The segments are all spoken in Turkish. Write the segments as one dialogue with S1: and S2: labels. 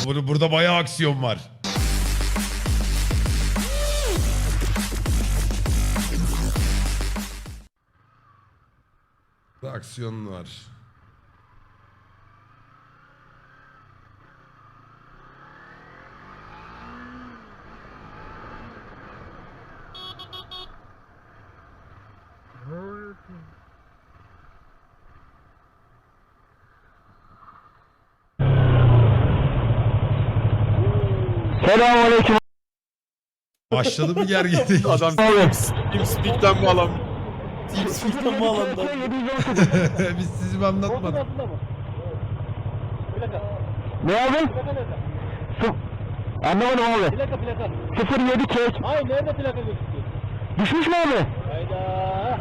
S1: Burada bayağı aksiyon var. Burada aksiyon var.
S2: Selamünaleyküm.
S1: Başladı mı gerginlik?
S3: Adam TeamSpeak'ten bağlan.
S4: TeamSpeak'ten mi alandan?
S1: Biz sizi mi anlatmadık?
S2: Ne abi? Anlamadım abi.
S4: Plaka.
S2: 07 çek.
S4: Hayır, nerede plaka gözüküyor?
S2: Düşmüş mü abi?
S4: Hayda.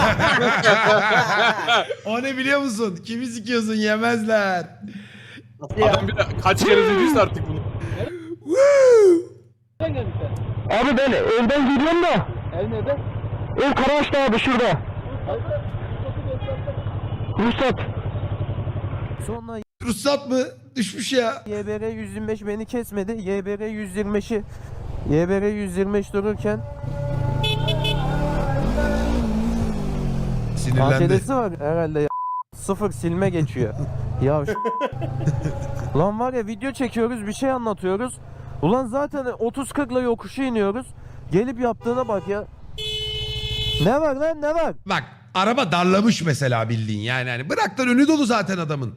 S1: O ne biliyor musun? Kimi sikiyorsun yemezler.
S3: Adam bir de kaç kere dediyse artık bunu.
S4: Nereden geldin sen?
S2: Abi ben evden gidiyorum da.
S4: Ev nerede?
S2: Ev Karaağaç'ta abi şurada. Ruhsat.
S5: Sonra
S1: Ruhsat mı? Düşmüş ya.
S5: YBR 125 beni kesmedi. YBR 125'i YBR 125 dururken
S1: Sinirlendi.
S5: ATD'si var herhalde ya. Sıfır silme geçiyor. Ya lan var ya, video çekiyoruz, bir şey anlatıyoruz. Ulan zaten 30-40'la yokuşu iniyoruz. Gelip yaptığına bak ya. Ne var lan, ne var?
S1: Bak araba darlamış mesela bildiğin yani. Hani bırak lan önü dolu zaten adamın.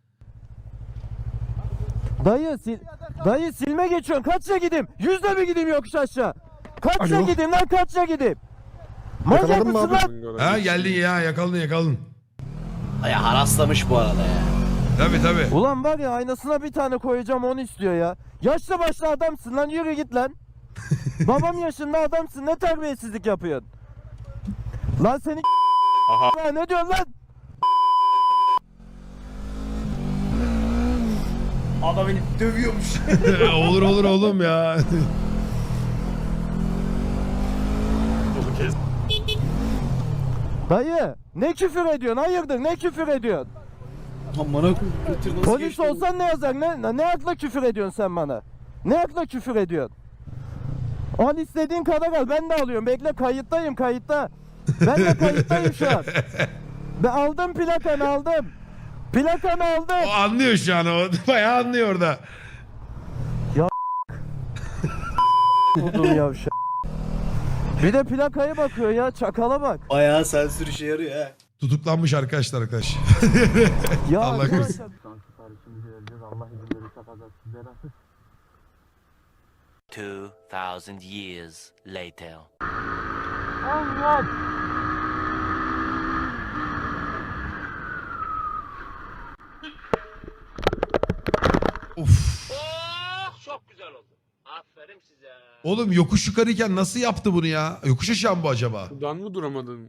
S5: Dayı silme geçiyorsun. Kaçça gideyim? 100'le mi gideyim yokuş aşağı? Kaçça
S2: Alo.
S5: gideyim lan, kaçça gideyim? Manyak
S2: Yakaladın mı
S5: mısın
S2: abi?
S5: lan?
S1: Ha geldin ya yakaladın.
S4: Ya haraslamış bu arada ya.
S1: Tabii.
S5: Ulan var ya, aynasına bir tane koyacağım, onu istiyor ya. Yaşlı başlı adamsın lan, yürü git lan. Babam yaşında adamsın, ne terbiyesizlik yapıyorsun? Lan seni
S3: Aha.
S5: ne diyorsun lan?
S4: Adam beni dövüyormuş.
S1: olur oğlum ya.
S5: Dayı ne küfür ediyorsun, hayırdır, ne küfür ediyorsun?
S4: Amına götür nasıl
S5: Polis
S4: geçti?
S5: olsan ne yazar, ne akla küfür ediyorsun sen bana? Ne akla küfür ediyorsun? Al istediğin kadar al, ben de alıyorum, bekle, kayıttayım, kayıtta. Ben de kayıttayım şu an. Ben aldım plakanı, aldım. Plakanı aldım.
S1: O anlıyor şu an o. Bayağı anlıyor orada.
S5: Buldum yavşak. Bir de plakaya bakıyor ya, çakala bak.
S4: Bayağı sensör işe yarıyor ha.
S1: Tutuklanmış arkadaşlar.
S5: Ya
S1: Allah
S5: arkadaşlar-
S1: korusun.
S5: Siparişimizi vereceğiz, Allah izin verirse kazasız belasız.
S6: 2,000 years later.
S5: Allah!
S1: Of.
S6: Çok güzel oldu. Aferin size.
S1: Oğlum yokuş yukarıyken nasıl yaptı bunu ya? Yokuş aşağı mı bu acaba?
S3: Buradan mı duramadın?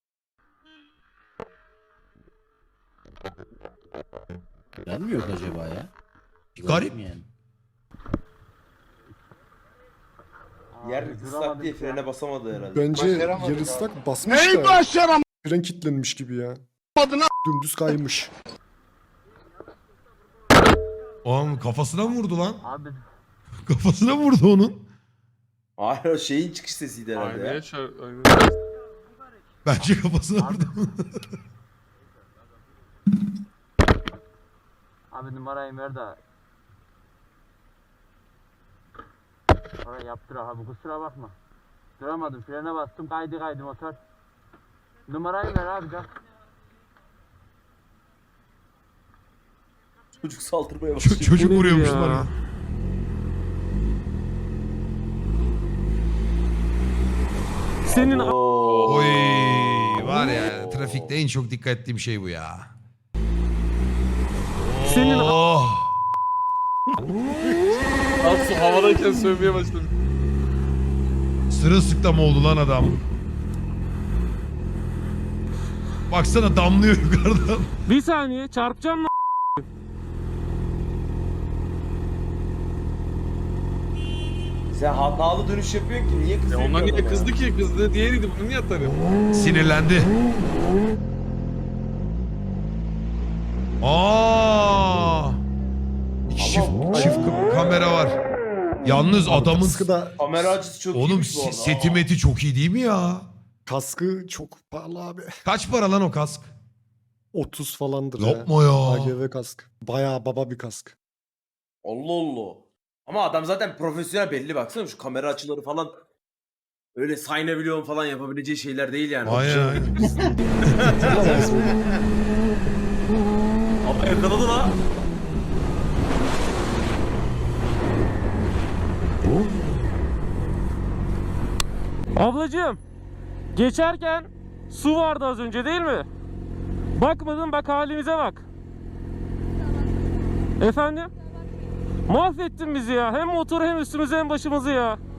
S4: Ben mi yok acaba ya?
S1: Garip.
S4: Yani.
S7: Yer ıslak diye frene basamadı herhalde.
S2: Bence yer ıslak basmış da. Fren kilitlenmiş gibi ya. Dümdüz kaymış.
S1: Oğlum kafasına mı vurdu lan?
S5: Abi
S1: Kafasına mı vurdu onun?
S7: Hayır o şeyin çıkış sesiydi herhalde ya.
S3: Aynaya çar... Aynaya...
S1: Bence kafasına vurdu.
S5: Abi numarayı ver de. Oraya yaptır abi, kusura bakma. Duramadım, frene bastım, kaydı motor. Numarayı ver abi, gel.
S7: Çocuk saldırmaya başlıyor.
S1: Çocuk
S3: Bu ne
S1: vuruyormuş
S3: ya?
S1: bana.
S3: Senin
S7: Oo.
S1: Oy var ya trafikte en çok dikkat ettiğim şey bu ya.
S3: Senin
S1: Oh.
S3: Aslı havadayken sövmeye başladı.
S1: Sırılsıklam oldu lan adam. Baksana damlıyor yukarıdan.
S3: Bir saniye çarpacağım lan.
S7: Sen hatalı dönüş yapıyorsun ki niye
S3: Ya
S7: kızıyorsun?
S3: onlar niye
S7: adama?
S3: kızdı ki? Kızdı diğeriydi. Bunu niye atarım?
S1: Sinirlendi. Aa!
S7: Ama
S1: çift kamera var. Yalnız adamın
S2: Kaskı da
S7: Kamera açısı çok
S1: oğlum
S7: iyiymiş bu arada.
S1: seti meti çok iyi değil mi ya?
S2: kaskı çok pahalı abi.
S1: Kaç para lan o kask?
S2: 30 falandır
S1: Yapma ya.
S2: AGV kask. Bayağı baba bir kask.
S7: Allah Allah. Ama adam zaten profesyonel belli baksana şu kamera açıları falan. Öyle sayınabiliyorum falan yapabileceği şeyler değil yani.
S1: Aynen.
S7: Ama yakaladı la.
S8: Ablacığım, geçerken su vardı az önce değil mi? Bakmadın, bak halimize bak. Efendim? Mahvettin bizi ya. Hem motoru hem üstümüzü hem başımızı ya.